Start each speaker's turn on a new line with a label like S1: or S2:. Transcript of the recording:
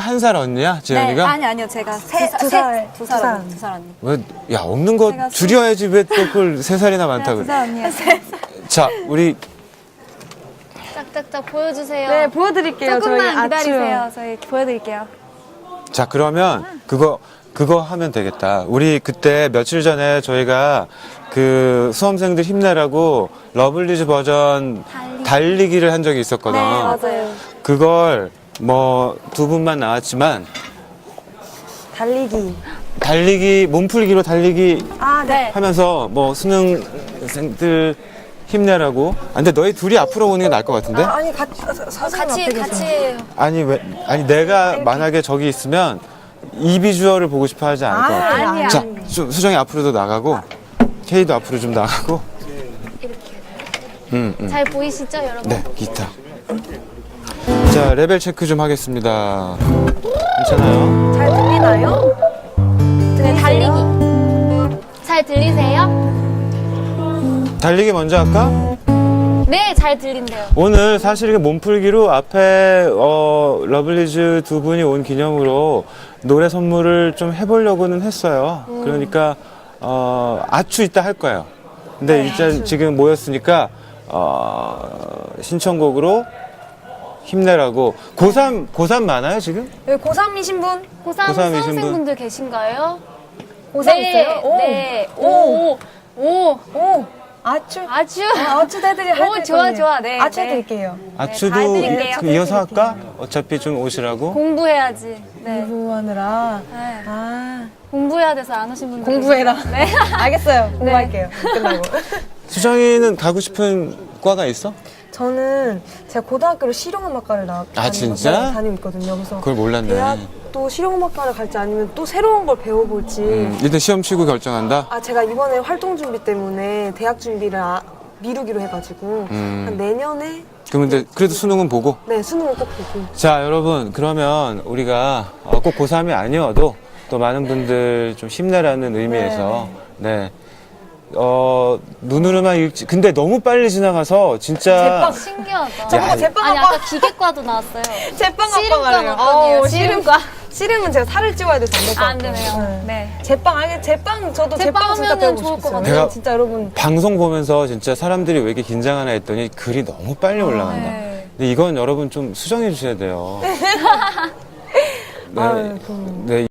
S1: 1살 언니야, 재현이가?
S2: 아니 아니요 제가
S3: 두 살.
S2: 두 살 언니.
S1: 왜, 야, 없는 거
S2: 제가
S1: 줄여야지 왜 또 그걸 3살이나 많다고 그래.
S2: 두살 언니요.
S1: 자, 우리
S4: 짝짝짝 보여주세요.
S3: 네, 보여드릴게요.
S2: 조금만
S3: 저희
S2: 기다리세요. 저희 보여드릴게요.
S1: 자, 그러면 그거 하면 되겠다. 우리 그때 며칠 전에 저희가 그 수험생들 힘내라고 러블리즈 버전 달리기를 한 적이 있었거든.
S2: 네, 맞아요.
S1: 그걸 뭐 2분만 나왔지만 달리기 몸풀기로 달리기
S3: 아, 네.
S1: 하면서 뭐 수능생들 힘내라고. 아, 근데 너희 둘이 앞으로 오는 게 나을 것 같은데?
S3: 아니, 같이
S4: 해요.
S1: 아니 내가 만약에 저기 있으면 이 비주얼을 보고 싶어 하지 않을 것 같아.
S3: 아니야.
S1: 자, 수정이 앞으로도 나가고 케이도 앞으로 좀 나가고.
S4: 잘 보이시죠, 여러분?
S1: 네, 기타. 자, 레벨 체크 좀 하겠습니다. 괜찮아요?
S3: 잘 들리나요?
S4: 네, 달리기. 잘 들리세요?
S1: 달리기 먼저 할까?
S4: 네, 잘 들린대요.
S1: 오늘 사실 이게 몸풀기로 앞에 러블리즈 2분이 온 기념으로 노래 선물을 좀 해보려고는 했어요. 그러니까 아추 이따 할 거예요. 근데 일단 지금 모였으니까 신청곡으로 힘내라고. 고3 많아요 지금?
S3: 여기 고3이신 분?
S4: 고3
S1: 고3 이신 분?
S4: 수험생분들 계신가요?
S3: 고3
S4: 네,
S3: 있어요? 오.
S4: 네.
S3: 오.
S4: 오.
S3: 오. 아추.
S4: 아주.
S3: 아추도 해드릴
S4: 오, 좋아, 좋아. 네,
S3: 아추
S4: 네.
S3: 해드릴게요.
S1: 아추도
S4: 다 해드릴게요.
S1: 좀 이어서 할까? 어차피 좀 오시라고.
S4: 공부해야지. 네.
S3: 공부하느라.
S4: 네.
S3: 아.
S4: 공부해야 돼서 안 오신 분들.
S3: 공부해라.
S4: 계세요. 네.
S3: 알겠어요. 공부할게요. 끝나고.
S1: 수정이는 가고 싶은 과가 있어?
S3: 저는 제가 고등학교로 실용음악과를
S1: 진짜?
S3: 다니고 있거든요. 그래서
S1: 그걸 몰랐네.
S3: 대학도 실용음악과를 갈지 아니면 또 새로운 걸 배워볼지.
S1: 일단 시험 치고 결정한다?
S3: 아, 제가 이번에 활동 준비 때문에 대학 준비를 미루기로 해가지고 한 내년에
S1: 근데 그래도 수능은 보고.
S3: 네, 수능을 꼭 보고.
S1: 자, 여러분, 그러면 우리가 꼭 고3이 아니어도 또 많은 분들 좀 힘내라는 의미에서 네. 눈으로만 읽지. 근데 너무 빨리 지나가서 진짜
S4: 신기하다.
S1: 야,
S4: 아니, 아까 기계과도 나왔어요.
S3: 제빵학과가래요.
S4: 씨름과는 어떠네요? 씨름과.
S3: 씨름은 제가 살을 찌워야 돼서 안 될 것
S4: 안
S3: 같아요.
S4: 되네요. 네.
S3: 제빵 저도 제빵 진짜
S4: 하면은
S3: 배우고
S4: 좋을 것
S3: 싶어요.
S1: 같아요.
S3: 진짜 여러분
S1: 방송 보면서 진짜 사람들이 왜 이렇게 긴장하나 했더니 글이 너무 빨리 올라간다.
S4: 네.
S1: 근데 이건 여러분 좀 수정해 주셔야 돼요. 네.
S3: 아유,
S1: 네.